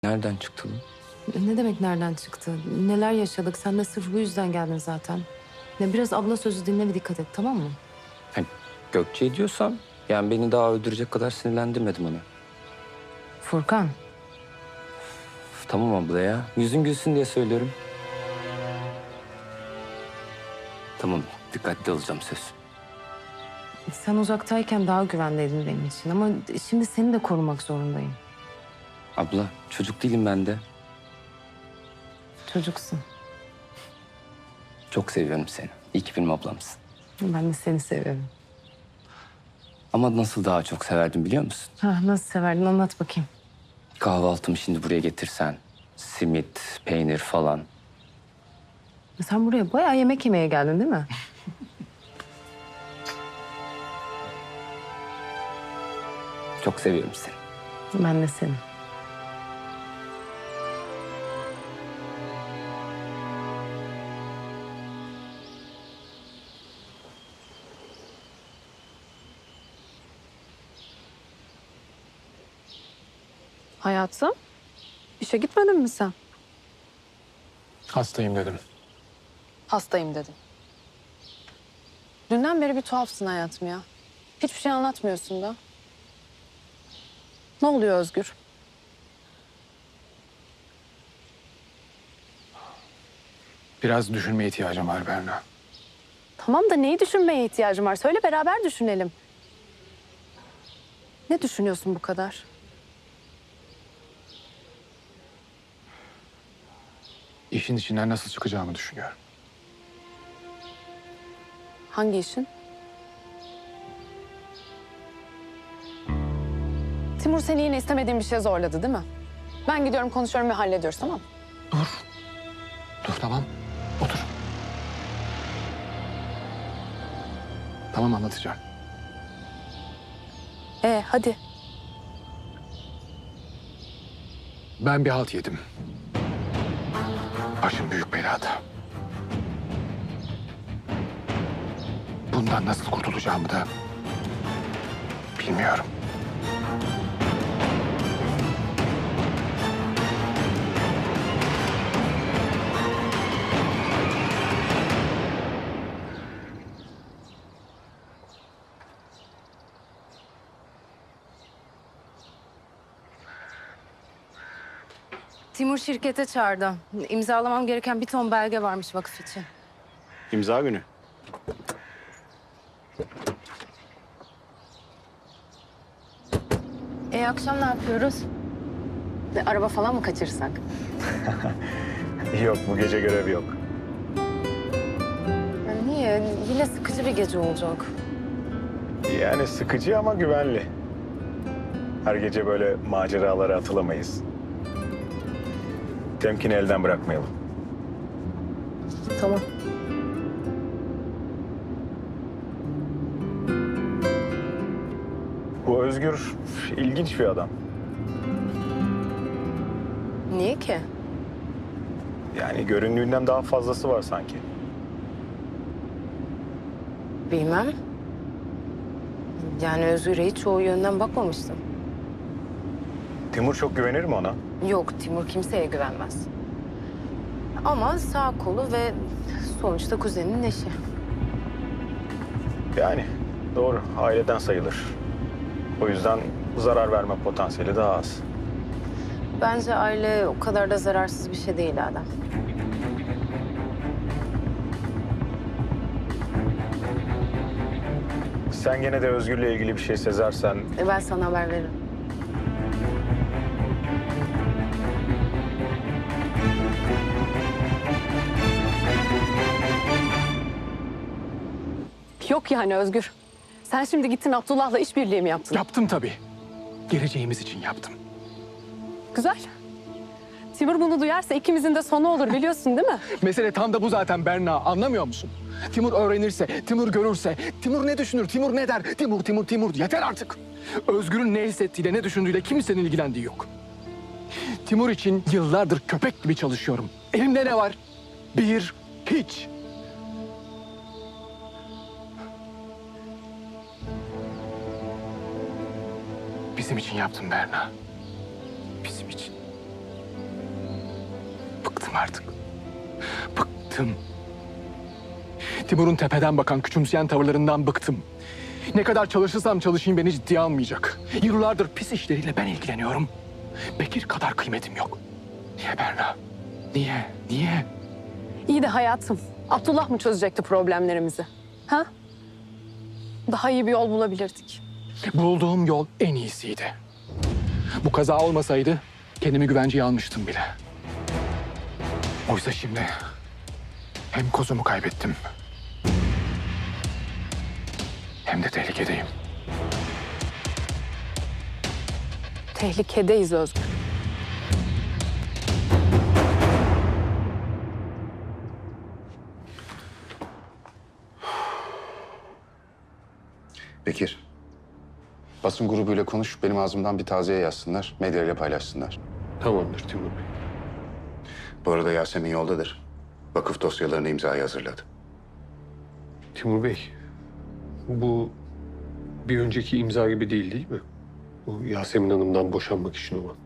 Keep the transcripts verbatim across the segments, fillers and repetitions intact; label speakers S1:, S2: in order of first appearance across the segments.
S1: Nereden çıktı bu?
S2: Ne demek nereden çıktı? Neler yaşadık? Sen de sırf bu yüzden geldin zaten. Ya biraz abla sözü dinle ve dikkat et, tamam mı?
S1: Hani Gökçe diyorsam yani beni daha öldürecek kadar sinirlendirmedim onu.
S2: Furkan,
S1: Üf, tamam abla ya. Yüzün gülsün diye söylüyorum. Tamam, dikkatli olacağım söz.
S2: sen uzaktayken daha güvendeydin benim için ama şimdi seni de korumak zorundayım.
S1: Abla, çocuk değilim ben de.
S2: Çocuksun.
S1: Çok seviyorum seni. İyi ki benim ablamsın.
S2: Ben de seni seviyorum.
S1: Ama nasıl daha çok severdim biliyor musun?
S2: Ha, nasıl severdin anlat bakayım.
S1: Kahvaltımı şimdi buraya getirsen. Simit, peynir falan.
S2: Sen buraya bayağı yemek yemeye geldin değil mi?
S1: Çok seviyorum seni.
S2: Ben de seni.
S3: Hayatım, işe gitmedin mi sen?
S4: Hastayım dedim.
S3: Hastayım dedin. Dünden beri bir tuhafsın hayatım ya. Hiçbir şey anlatmıyorsun da. Ne oluyor Özgür?
S4: Biraz düşünmeye ihtiyacım var Berna.
S3: Tamam da neyi düşünmeye ihtiyacım var? Söyle beraber düşünelim. Ne düşünüyorsun bu kadar?
S4: İşin içinden nasıl çıkacağımı düşünüyorum.
S3: Hangi işin? Timur seni yine istemediğin bir şeye zorladı değil mi? Ben gidiyorum konuşuyorum ve hallediyoruz tamam mı?
S4: Dur. Dur tamam. Otur. Tamam anlatacağım.
S3: Ee hadi.
S4: Ben bir halt yedim. Başım büyük belada. Bundan nasıl kurtulacağımı da bilmiyorum.
S2: Timur şirkete çağırdı. İmzalamam gereken bir ton belge varmış vakıf için.
S5: İmza günü.
S2: E akşam ne yapıyoruz?
S3: E, araba falan mı kaçırsak?
S5: Yok, bu gece görevi yok.
S2: Ya niye? Yine sıkıcı bir gece olacak.
S5: Yani sıkıcı ama güvenli. Her gece böyle maceralara atılamayız. Temkini elden bırakmayalım.
S2: Tamam.
S5: Bu Özgür ilginç bir adam.
S2: Niye ki?
S5: Yani göründüğünden daha fazlası var sanki.
S2: Bilmem. Yani Özgür'e hiç o yönden bakmamıştım.
S5: Timur çok güvenir mi ona?
S2: Yok, Timur kimseye güvenmez. Ama sağ kolu ve sonuçta kuzeninin eşi.
S5: Yani doğru, aileden sayılır. O yüzden zarar verme potansiyeli daha az.
S2: Bence aile o kadar da zararsız bir şey değil Adem.
S5: Sen gene de Özgür'le ilgili bir şey sezersen
S2: E ben sana haber veririm.
S3: Yok yani Özgür. Sen şimdi gittin Abdullah'la işbirliği mi yaptın?
S4: Yaptım tabii. Geleceğimiz için yaptım.
S3: Güzel. Timur bunu duyarsa ikimizin de sonu olur biliyorsun değil mi?
S4: Mesele tam da bu zaten Berna. Anlamıyor musun? Timur öğrenirse, Timur görürse, Timur ne düşünür, Timur ne der? Timur, Timur, Timur. Yeter artık. Özgür'ün ne hissettiğiyle, ne düşündüğüyle kimsenin ilgilendiği yok. Timur için yıllardır köpek gibi çalışıyorum. Elimde ne var? Bir, hiç. Bizim için yaptım Berna. Bizim için. Bıktım artık. Bıktım. Timur'un tepeden bakan, küçümseyen tavırlarından bıktım. Ne kadar çalışırsam çalışayım beni ciddiye almayacak. Yıllardır pis işleriyle ben ilgileniyorum. Bekir kadar kıymetim yok. Niye Berna? Niye? Niye?
S3: İyi de hayatım, Abdullah mı çözecekti problemlerimizi? Ha? Daha iyi bir yol bulabilirdik.
S4: Bulduğum yol en iyisiydi. Bu kaza olmasaydı kendimi güvenceye almıştım bile. Oysa şimdi hem kozumu kaybettim hem de tehlikedeyim.
S3: Tehlikedeyiz Özgür.
S6: Bekir, basın grubuyla konuş, benim ağzımdan bir taziye yazsınlar, medyayla paylaşsınlar.
S7: Tamamdır Timur Bey.
S6: Bu arada Yasemin yoldadır. Vakıf dosyalarını imzaya hazırladı.
S7: Timur Bey, bu bir önceki imza gibi değil değil mi? Bu Yasemin Hanım'dan boşanmak için olan.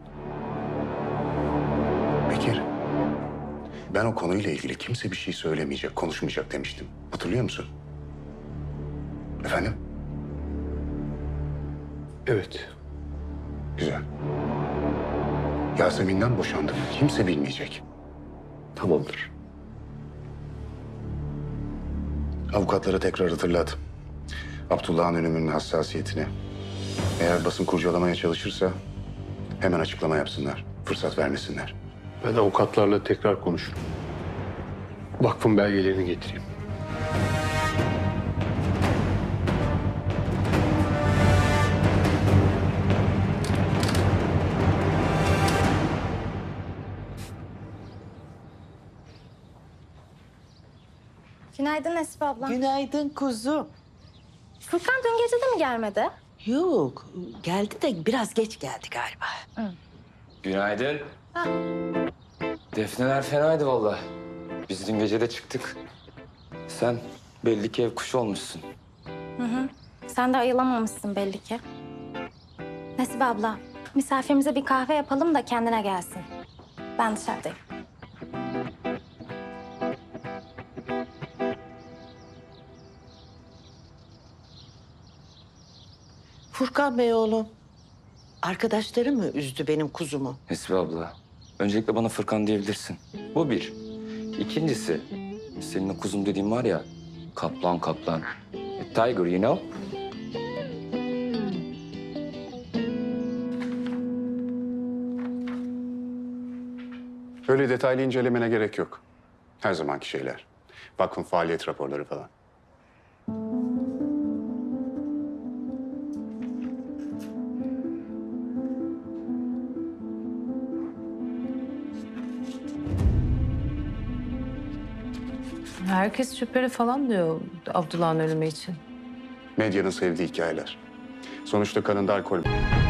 S6: Bekir, ben o konuyla ilgili kimse bir şey söylemeyecek, konuşmayacak demiştim. Hatırlıyor musun? Efendim?
S7: Evet.
S6: Güzel. Yasemin'den boşandım. Kimse bilmeyecek.
S7: Tamamdır.
S6: Avukatlara tekrar hatırlat. Abdullah'ın ölümünün hassasiyetini. Eğer basın kurcalamaya çalışırsa hemen açıklama yapsınlar. Fırsat vermesinler.
S7: Ben avukatlarla tekrar konuşurum. Vakfın belgelerini getireyim.
S8: Günaydın Esif abla.
S9: Günaydın kuzum.
S8: Furkan dün gece de mi gelmedi?
S9: Yok, geldi de biraz geç geldi galiba.
S1: Günaydın. Defneler fenaydı vallahi. Biz dün gece de çıktık. Sen belli ki ev kuşu olmuşsun.
S8: Sen de ayılamamışsın belli ki. Nesibe abla, misafirimize bir kahve yapalım da kendine gelsin. Ben dışarıdayım.
S9: Furkan Bey oğlum, arkadaşları mı üzdü benim kuzumu?
S1: Nesibe abla, öncelikle bana Fırkan diyebilirsin. Bu bir. İkincisi, senin o kuzum dediğin var ya, kaplan kaplan. A tiger, you know?
S6: Öyle detaylı incelemene gerek yok. Her zamanki şeyler. Vakfın faaliyet raporları falan.
S2: Herkes şüpheli falan diyor Abdullah'ın ölümü için.
S6: Medyanın sevdiği hikayeler. Sonuçta kanında alkol